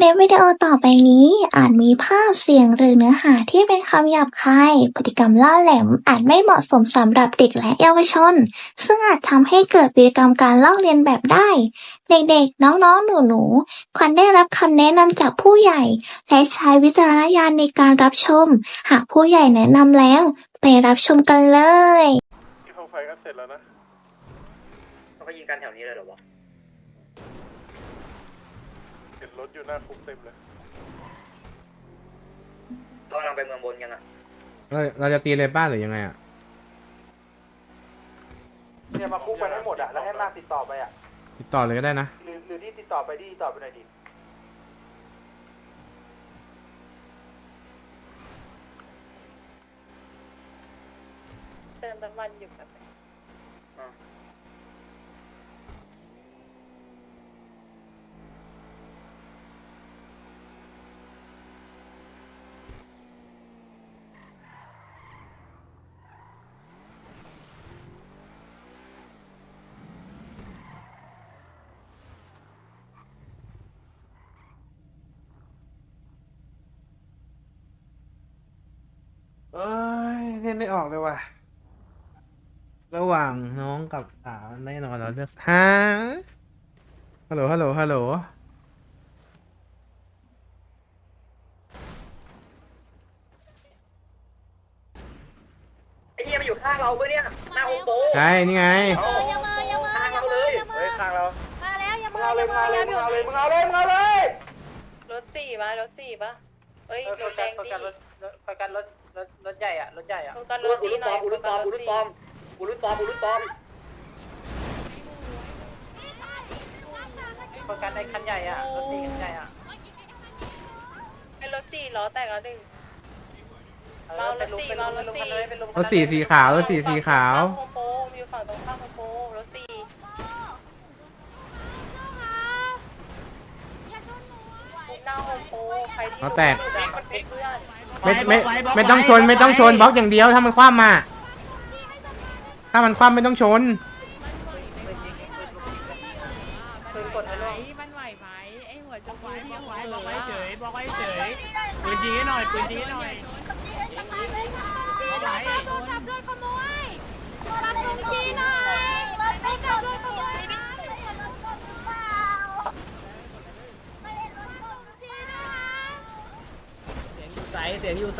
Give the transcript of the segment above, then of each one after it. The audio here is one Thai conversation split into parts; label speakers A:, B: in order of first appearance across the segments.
A: ลิปวิดีโอต่อไปนี้อาจมีภาพเสียงหรือเนื้อหาที่เป็นคำหยาบคายพฤติกรรมล่าแหลมอาจไม่เหมาะสมสำหรับเด็กและเยาวชนซึ่งอาจทำให้เกิดพฤติกรรมการลอกเลียนแบบได้เด็กๆน้องๆหนูๆควรได้รับคำแนะนำจากผู้ใหญ่และใช้วิจารณญาณในการรับชมหากผู้ใหญ่แนะนำแล้วไปรับชมกันเลย
B: ที่เขาไฟกันเสร็จแล้วนะ
C: เขาก็ยิงกันแถวนี้เลยเหรอวะ
B: เห็นรถอยู่หน้าคุกเต็มเลย
C: เรากำลังไปเมืองบนกันอ่ะ
D: เราจะตีเลยบ้านหรือยังไงอ่ะ
E: เนี่ยมาคุกไปให้หมดอ่ะแล้วให้มากติดต่อไปอ่ะ
D: ติดต่อเลยก็ได้นะ
E: หรือที่ติดต่อไปที่ติดต่อไปหน่อยดิ
F: เติมน้ำมันอยู่แบบ
D: เอ้ยเล่นไม่ออกเลยว่ะระหว่างน้องกับสาวแน่นอนเราเลือกฮะฮัลโหล
C: ไอ้เหี้ยมันอยู่ข้างเราเว้ยเนี่ยหน้าโฮมโปร
D: ใช่นี่ไง
C: ข้างเราเลยเฮ้ยข้างเรา
F: มาแล้วอย่า
E: มึง
F: มา
E: เอาเลยมึงเอาเลยมึงเอาเลยมึงเอาเลยมึงเอาเลย
F: รถสี่ปะเอ้ยรถแดงดี
E: ไปกันรถใหญ่อ่ะรถใหญ่อ่ะ
F: โฟกัสรถดีหน่อย
C: กูรุ่นปอม
E: ไปกันในคันใหญ่อ่ะรถตีคันใหญ่อ่ะ
F: เป็นรถสี่ล้อแตกแล้วหนึ่ง
E: เป็นลุมกันเลยเป็นลุม
D: รถสีขาวรถสีขาว
F: โฮมโปรอยู่ฝั่งตรงข้ามโฮมโปรรถสี่หน้าโฮมโปรใครที่
D: เขาแตก
F: เพื่อน
D: ไม่ต้องชนบล็อกอย่างเดียวถ้ามันคว่ำมาถ้ามันคว่ำไม่ต้องชน
E: ปืนกดให้ลง
G: มันไหวไหมไอหัวชมพูที่บอกไว้เฉยบอกไว้เฉยปืนยิงให้หน่อยปืนยิงให้หน่อยบอกไว้โทรศัพท์โดนขโมยรับชมทีหน่อยโทรศัพท์โดนขโมย
C: เสียงอยู่ไซ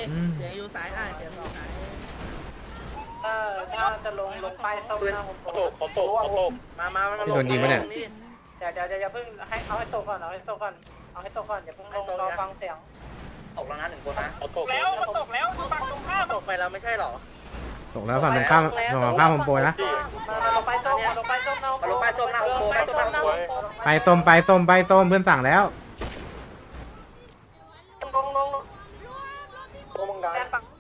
E: ถ้าจะลงป้ายส้มหน้าผมโตมา
D: ที่โดนยิงปะเนี่ย
E: เดี๋ยวอย่าเพิ่งให้เอาให้โตก่อนอย่าเพิ่งลงรอฟังเสียง
C: ตกแล้วนะ1 คนนะ
E: ตกแล้วฝั่งตรงข้ามตกไปแล้วไม่ใช่หรอ
D: ตกแล้วฝั่งตรงข้ามโฮมโปรนะ
E: มาลงป้ายส้มลงป้ายส้ม
C: มาลงป้ายส้มหน้าโฮมโปร
D: ไปส้มเพื่อนสั่งแล้ว
E: โอ้มึงดัน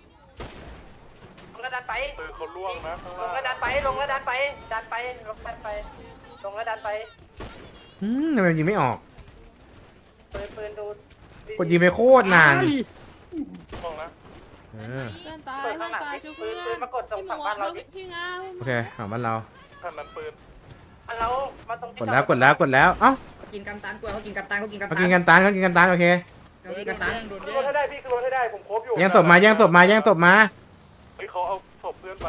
E: ลงแล้วดันไป
B: ปืนเขาล่วงนะข้าง
E: ล
B: ล่าง ง
E: แล้วดันไปลงแล้วดันไปดันไปลงดันไปลงแล้วดันไป
D: ทำไมยิงไม่ออก
E: ปืนดู
D: กดยิงไปโคตรนาน
B: ล่วงนะ
D: เออ
G: เพื่อนตายทุกเพื่อน
E: ปืนมากดตรงฝั่งบ้านเราดิ
G: พี่งา
D: โอเคของบ้านเรา
B: ท่านนั้นปืน
E: เรามาตรง
D: กดแล้วเอ้า
C: กินกันตันกลัวเขากินกันตัน
D: เขากินกันตานโอเค
C: กันตัน
E: คือรถให้ได้พี่คือรถให้ได้ผมครบอยู่
D: แย่งศพมา
B: เฮ้ยเขาเอาศพเพื่อนไป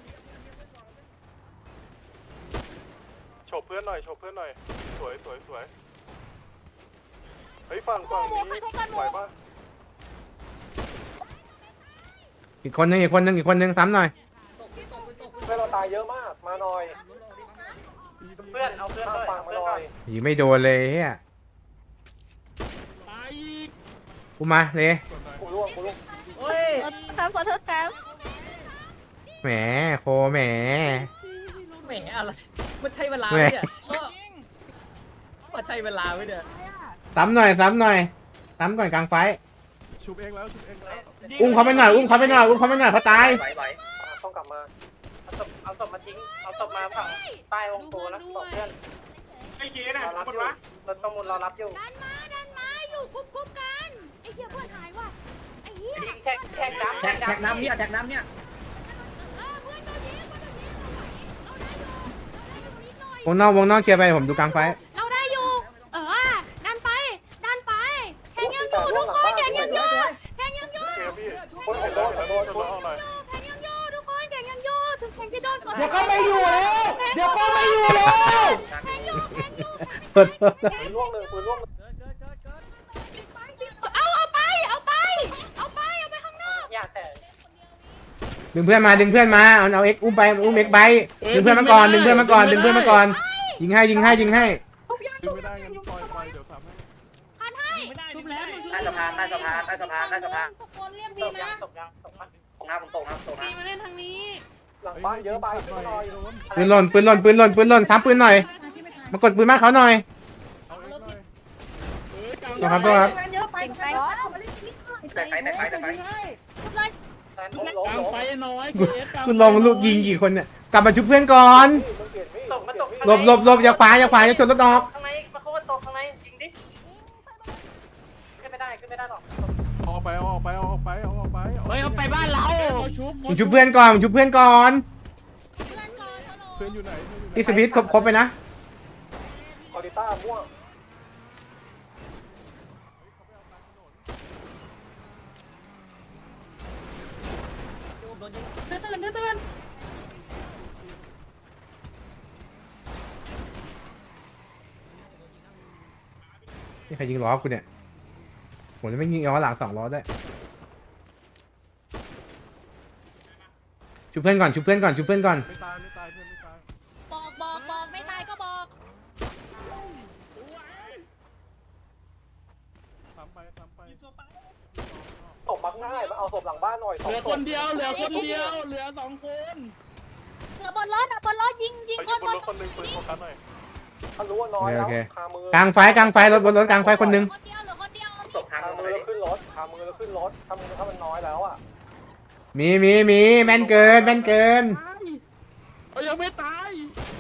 B: โฉบเพื่อนหน่อยสวยเฮ้ยฝั่งนี้ไหวปะ
D: อีกคนนึงซ้ำหน่อย
E: เพื่อนเราตายเยอะมากมาหน่อยเพื่อนเอาเพื่อนฟังมาหน่อย
D: ยิงไม่โดนเลยเฮียกูมาเลย
E: กูร่วง
G: ครับขอโทษครับ
D: แหมโคแหม
C: แหมอะไรมันใช่เวลาเนี่ยมันใช่เวลาไหมเนี่ย
D: ซ้ำหน่อยซ้ำก่อนกลางไฟ
B: ชุบเองแล้ว
D: อุ้มเขาไปหน่อยเขาตาย
C: ไหว
E: ต้องกลับมาเอาศพมาทิ้งเอาศพมาฝั่งใต้องค์โพแล้วบอกเพื่อนไอ้เจ๊น่ะรถประมูลรอรับอยู่
G: ดันมาอยู่กุ๊บกันไอ้เหี้ยเพื่อนหายว่ะไอ้เหี้ย
E: แท็กน้ำ
C: แท็กน้ำเนี่ย
D: วงนอกเคลียร์ไปผมดูกลางไฟ
G: เราได้อยู่ดันไป
E: โดน
B: ชนรถออกหน่อย
H: แข่งยังโยทุกคนแข่งยังโยถึงแข่งจะโดนกด
D: เดี๋ยวก็ไม่อยู่แล้ว เดี๋ยวก็ไม่อยู่แล้ว
H: แข่งอยู่แข่งอยู่
D: ปืน
E: ปืนล่วงหนึ่งปืนล่วงหนึ่ง
H: เอาไปข้างนอก
E: อย่าแต่
D: ดึงเพื่อนมาเอาเอ็กอุ้มไปอุ้มเอ็กไปดึงเพื่อนมาก่อนดึงเพื่อนมาก่อนยิงให้
B: ดึงไม่ได้งั้นปล่อยเดี๋ยวทำให้
H: พันให้
G: ชุบแล้ว
C: ใต้สะพานใต้สะพานใต้สะพานใต้สะพาน
H: ทุกคนเรียก
E: ต
H: บี
E: กยั
H: นะ
E: งตกยังตกมัน
C: ตรงน้ำผมตกน้ำตก
H: บี
C: น้ำ
H: มาเล่นทางนี้
E: หลังบ้านเยอะไปขึ้นหน่อย
D: ปืนหล่นทับปืนหน่อยมากดปืนมากเขาหน่อย
B: เอาเอ็กหน่อย
D: นะครับตัวครับ
C: แต่ไฟ
E: แทนล้ม
G: กลางไฟน้อย
D: คุณลองลูกยิงกี่คนเนี่ยกลับมาชุบเพื่อนก่อน
E: ตกมันตก
D: หลบอย่าขวาอย่าชนรถออก
E: ข้างในมาเขาว่าตกข้างในจริงดิขึ้นไม่ได้หรอก
B: เอาออกไปเอาออกไปเอาออกไปเอาออกไป
G: เฮ้ยเอาไปบ้านเรา
D: มึงชุบเพื่อนก่อน
H: เพื่อนก่อนฮัลโหล
B: เพื่อนอยู่ไหนเพื่อนอยู่ไหน
D: ที่สวิตครบไปนะ
E: คอริต้าม่วง
D: นี่ใครยิงล้อกูเนี่ยผมจะไม่ยิงล้อหลัง2 ล้อได้วยชุบเพื่อนก่อน
B: ไม่ตายเพื่อนไม่ตาย
H: บอกไม่ตายก็บอก
B: ทำไป
E: ตกบักง่ายมาเอาศพหลังบ้านหน่อย
G: เหลือคนเดียวเหลือ2 คน
H: เหลือบนรถยิง
B: ไป
H: ค
B: ยิ
H: น
B: งบบ น
H: น
B: รถคนหนึ่งปืนโฟกัสหน่อย
E: ถ้ารู้ว่าน้อยแล้ว
D: โอเค
E: คามือก
D: ลางไฟรถบนรถกลางไฟคนหนึง
H: คนเดียวเหลือคนเดียว
C: ตกทาง
E: คา
C: ลง
E: มื
C: มา
E: อ
C: เล
E: แล้ว
C: ย
E: ขึ้นรถคามือแล้วขึ้นรถถ้ามันน้อยแล้วอ่ะ
D: มีแม่นเกิน
G: ยังไม่ตาย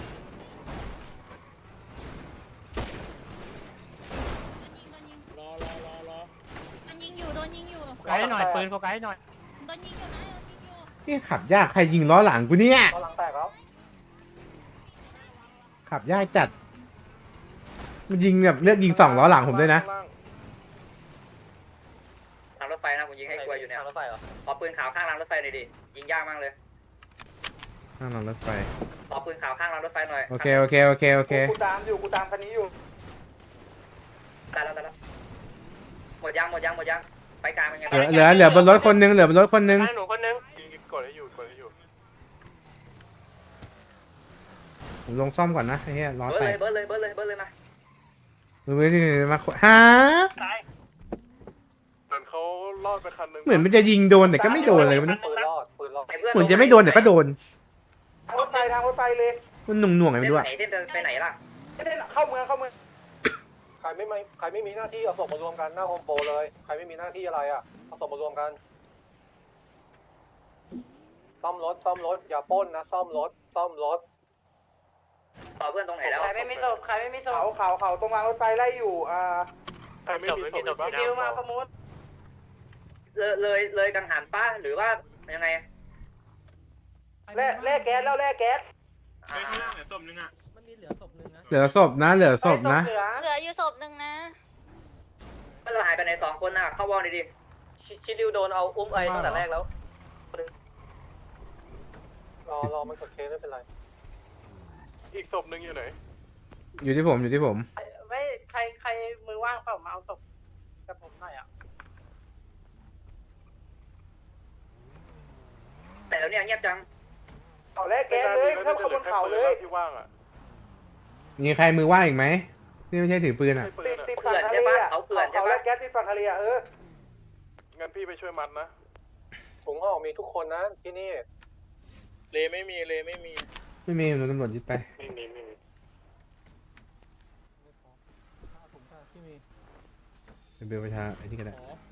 G: รอ
H: โดนยิงอยู่
G: ไกด์หน่อยปืนเขาไกด์หน่อย
H: โดนยิงอยู่
D: นี่ขับยากใครยิงล้อหลังกูเนี่ย
E: ตอนหลังแตกแล้ว
D: ขับยากจัดมันยิงแบบเลือกยิง2 ล้อหลังผมด้วยนะ
C: ทางรถไฟนะผมยิงให้กลัวอยู่เนี่ย
E: รถไฟเหรอ
C: ขอปืนขาวข้างรางรถไฟหน่อยดิยิงยากมากเลย
D: ข้างหลังรถไฟ
C: ขอปืนขาวข้างรางรถไฟหน่อย
D: โอเค
E: กูตามคันนี้อยู่
C: ตายแล้วหมดยังไปกลางเป็นไง
D: เหลือบนรถคนหนึง
E: หนูคนนึง
B: ยิงกดให้อยู่
D: ผมลงซ่อมก่อนนะไอ้เหี้ยล้อ
C: เบิร์
D: แต
C: ด
D: ก
C: เลยมา
D: มือที่มาฮะ
B: เหมือนเขารอดไปคันหนึ่ง
D: เหมือนมันจะยิงโดนแต่ก็ไม่โดนเลยมัน
E: ปืนรอด
D: เหมือนจะไม่โดนแต่ก็โดน
E: ทางรถไฟเลย
D: มันหน่วงๆไงไม่รู้อะ
C: ไหนเส้นไปไหนล่ะ
E: ไม่ได้เข้าเมืองใครไม่มีหน้าที่เอาศพมารวมกันหน้าโฮมโปรเลยใครไม่มีหน้าที่อะไรอ่ะเอาศพมารวมกันซ่อมรถอย่าปล้นนะซ่อมรถ
C: ต่อเพื่อนตรงไหนแล้ว
E: ใครไม่มีศพเขาตรงรางรถไฟไล่อยู่
B: ใครไม่มีศพบ้าง
E: ดิวมาประมูล
C: เลยกังหันป้าหรือว่ายังไง
E: แล่แก๊สแล้วแล่แก๊ส
C: มันมีเหลือศพนึงนะ
D: เหลือศพนะ
H: เหลืออยู่ศพหนึ่งนะ
C: มันหายไปไหน2 คนน่ะเข้าวอลดิ
E: ชิดิวโดนเอาอุ้มไอ้ตั้งแต่แรกแล้วรอมันกดเคสไม่เป็นไร
B: อีกศพหนึ่งอยู่ไหน
D: อยู่ที่ผม
E: ไม่ใครมือว่างเปล่ามาเอาศพกับผมหน่อยอ่ะ
C: แต่แล้วเนี่ยเงียบจัง
E: เขาแล่แก๊สเลยเข้าบนเขาเลย
B: ที่ว่างอ่ะ
D: มีใครมือว่างอีกไหมนี่ไม่ใช่ถือปืนอะ
B: ให้ปืนอ่ะ
E: ติดฝั่งทะเลอ่ะเขาแล่แก๊สติดฝั่งทะเลอ่ะ
B: งั้นพี่ไปช่วยมัดนะ
E: ถุงห่อมีทุกคนนะที่นี่
G: เลไม่มี
D: ไม่มีโดนตำรวจยึดไป
B: ไม่มี
D: เบลประชาไอ้นี่ก็ได้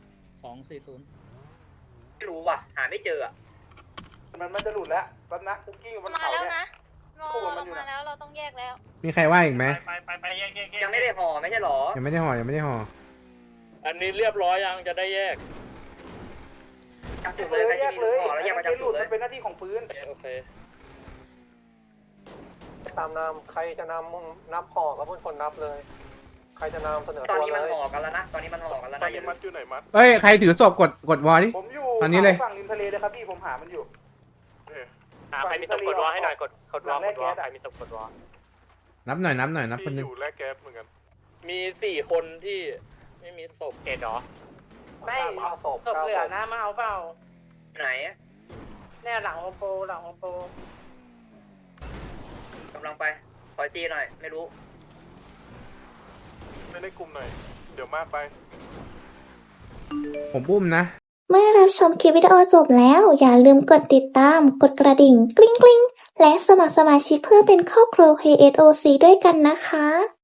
C: ไม่รู้ว่ะหาไม่เจออ่ะ
E: มันจะหลุดแล้วแป๊บนะคุกกี้บน
H: มา
E: เขา
H: แล้ว
E: เนี่ย
H: นะเรามาแล้วเราต้องแยกแล้ว
D: มีใครว่างอีกไหม
G: ไปแยก
C: ยังไม่ได้ห่อไม่ใช่หรอ
D: ยังไม่ได้ห่อ
G: อันนี้เรียบร้อยยังจะได้แยก
C: จับจุดเลยใครจะมีห่อแล้วแยกมาจับจุดเลย
E: มันเป็นหน้าที่ของปืน
G: โอเค
E: ตามนำใครจะนำนับห่อก็เป็นคนนับเลย ใครจะนำเสนอ
C: ตอน
E: ตัว
C: นี้
E: เล
C: มัน
E: ย
C: ห่อกันแล้วนะตอนนี้มันห่อกันแล้ว
B: ตอน
C: นะ
B: นี้มัดอยู่ไหนมัด
D: เอ้ยใครถือศพกดวอลดิ
E: ผมอยู่
D: ตอนนี้เลย
E: ฝั่งริมทะเลเลยครับพี่ผมหามันอยู่
G: ใครมีศพกดวอให้หน่อยกดวอใครมีศพกดวอ
D: นับหน่อยนับคนหนึ
B: ที่อง ยู่แลกแก๊สเหมือนกัน
G: มี4 คนที่ไม่มีศพเกตหรอ
E: ไม่ศพเหลือนะมาเอาเปล่า
C: ไหน
E: เนี่ยหลังโฮมโปรหลังโฮมโปร
C: กำลังไปคอยตีหน่อย ไม่รู้
B: ไม่ได้กลุ่มหน่อย เดี๋ยวมากไป
D: ผมอุ้มนะ
A: เมื่อรับชมคลิปวิดีโอจบแล้ว อย่าลืมกดติดตาม กดกระดิ่ง กริ๊งกริ๊งและสมัครสมาชิกเพื่อเป็นครอบครัว KSOC ด้วยกันนะคะ